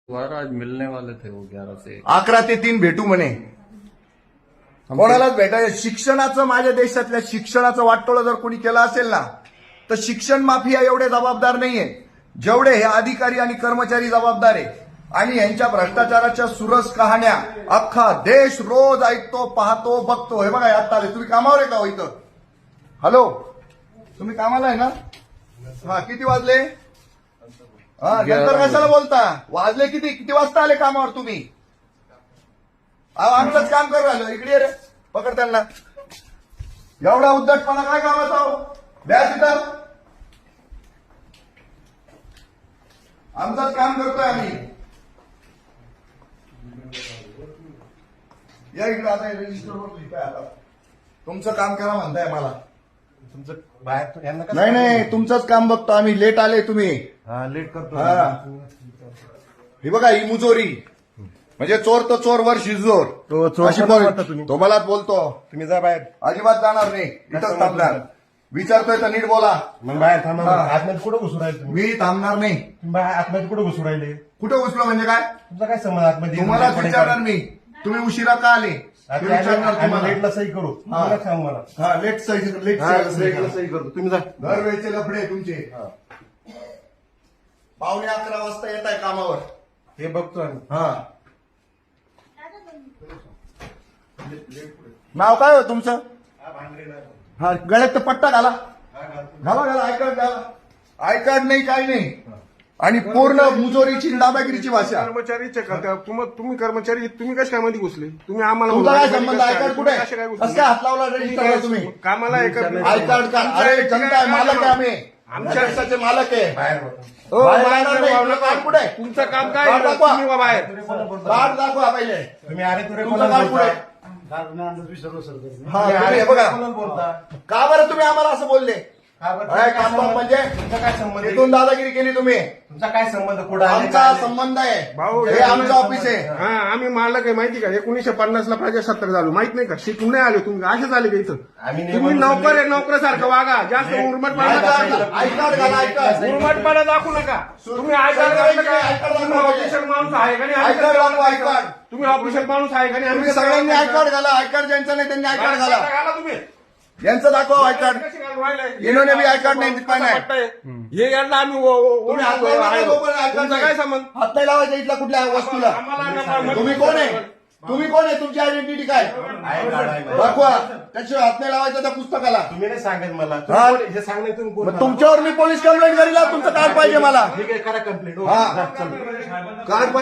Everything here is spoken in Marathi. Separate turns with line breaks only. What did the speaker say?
आज मिलने वाले थे वो 11 से
11 ते 3 भेटू म्हणे. कोणालाच भेटायचं. शिक्षणाचं, माझ्या देशातल्या शिक्षणाचं वाटोळं जर कोणी केलं असेल ना, तर शिक्षण माफिया एवढे जबाबदार नाहीये जेवढे हे अधिकारी आणि कर्मचारी जबाबदार आहे. आणि यांच्या भ्रष्टाचाराच्या सुरस कहाण्या अख्खा देश रोज ऐकतो, पाहतो, बघतो. हे बघा आता आले. तुम्ही कामावर आहे का हो इथं? हॅलो, तुम्ही कामाला आहे ना? हा, किती वाजले? हा, नंतर कशाला बोलता? वाजले किती? किती वाजता आले कामावर तुम्ही? आमचंच काम करू राहिलो. इकडे ये रे, पकड त्यांना. एवढा उद्धटपणा काय कामाचा हो? द्या तिथं. आमचंच काम करतोय आम्ही. या इकडे आता रजिस्टरवर लिहिताय. आता तुमचं काम करा म्हणताय मला.
तुमचं बाहेर यांना कसं
नाही नाही, तुमचंच काम बघतो आम्ही. लेट आले तुम्ही.
हा लेट करतो.
हा. हे बघा, ही मुजोरी म्हणजे चोर तो चोर वर शिजोर.
तो चोर
अशी
कोणाला
बोल.
वाटतं तुम्ही?
तो मलाच बोलतो.
तुम्ही जा बाहेर.
अजिबात जाणार नाही. इथंच थांबणार. विचारतोय तर नीट बोला.
मग बाहेर थांबा.
हा.
आतमध्ये कुठं घुसू राहिले तुम्ही?
मी थांबणार नाही.
तुम्ही बाहेर आतमध्ये कुठं घुसू राहिले?
कुठं घुसलो म्हणजे काय?
तुमचा काय संबंध आतमध्ये?
तुम्हालाच विचारणार मी. तुम्ही उशिरा का आले ते विचारणार तुम्हाला.
लेटला सही करू. तुम्हाला सांग मला.
हा, लेट सही. लेट
लेटला सही करतो. तुम्ही जा.
दरवेळेचे लफडे तुमचे. पावणे 11 वाजता येत आहे कामावर.
हे बघतो आम्ही.
हा, नाव काय हो तुमचं? हा, गळ्यात तर पट्टा घाला. घाला घाला. आय कार्ड घाला. आय कार्ड नाही, काही नाही. आणि पूर्ण मुजोरीची दादागिरीची भाषा.
कर्मचारीचे का तुम्ही कर्मचारी तुम्ही कशा काय मध्ये घुसले? तुम्ही आम्हाला
तुमचा काय
बोलला,
संबंध? आय कार्ड कुठे आहे?
कशा काय
कसं
घुसले?
काय हात लावला रजिस्टरला तुम्ही?
कामाला एका
आय कार्ड का? अरे जनता आहे, मालक आहे आम्ही. आमच्या देशाचे मालक आहे.
बाहेर बघा.
हो,
बाहेर
बाहेर
जाणार नाही.
जाऊ
तुमचं कार्ड कुठे आहे?
तुमचं काम काय
कार्ड
आहे?
दाखवा.
तुम्ही वा बाहेर.
कार्ड दाखवा पहिले.
तुम्ही अरे तुरे
तुमचं कार्ड कुठे आहे? हा, तुम्ही हे बघा.
बोलता.
का बरं तुम्ही आम्हाला असं बोलले?
का बरं?
काय काम बघ म्हणजे?
तुमचा काय संबंध आहे?
इथून दादागिरी केली तुम्ही.
तुमचा काय संबंध? कुठं आले?
आमचा
काय आले?
संबंध आहे.
भाऊ,
हे आमचं ऑफिस आहे.
हा, आम्ही मालक आहे माहिती का? 1950 ला प्रजासत्ताक झालो माहित नाही का? शिकून नाही आले तुम्ही, असेच आले का इथं?
आम्ही
तुम्ही नोकर आहे, नोकरासारखं वागा. जास्त उर्मटपणा
आय
दाखवू
कार्ड
नका.
आय कार्ड घाला. I card.
उर्मटपणा दाखवू नका. तुम्ही आय कार्ड घातलं का? तुम्ही ऑफिशियल माणूस आहे का नाही?
आय कार्ड दाखवा. I card.
तुम्ही ऑफिशियल माणूस आहे का नाही?
तुम्ही सगळ्यांनी आय कार्ड घाला. आय कार्ड ज्यांचं नाही त्यांनी आय कार्ड घाला.
घाला तुम्ही.
यांचं दाखवा आय कार्ड. इन्होंने भी आय कार्ड नाही दिखाना है.
हे यांना आम्ही
तुम्ही हात लावू नका जोपर्यंत आय कार्ड
तुमचा
नाही.
काय संबंध?
हात नाही लावायचा इथला कुठल्या वस्तूला. तुम्ही कोण आहे? तुम्ही कोण आहे? तुमची आयडेंटिटी काय?
आहे, कार्ड आहे.
दाखवा. त्याशिवाय हात नाही लावायचा त्या पुस्तकाला.
तुम्ही नाही सांगत मला.
हा.
तुम्ही कोण? हे सांगणे तुम्ही कोण?
मग तुमच्यावर मी पोलीस कंप्लेंट करीला. तुमचं कार्ड पाहिजे मला.
ठीक आहे, करा कंप्लेंट.
हा. कार्ड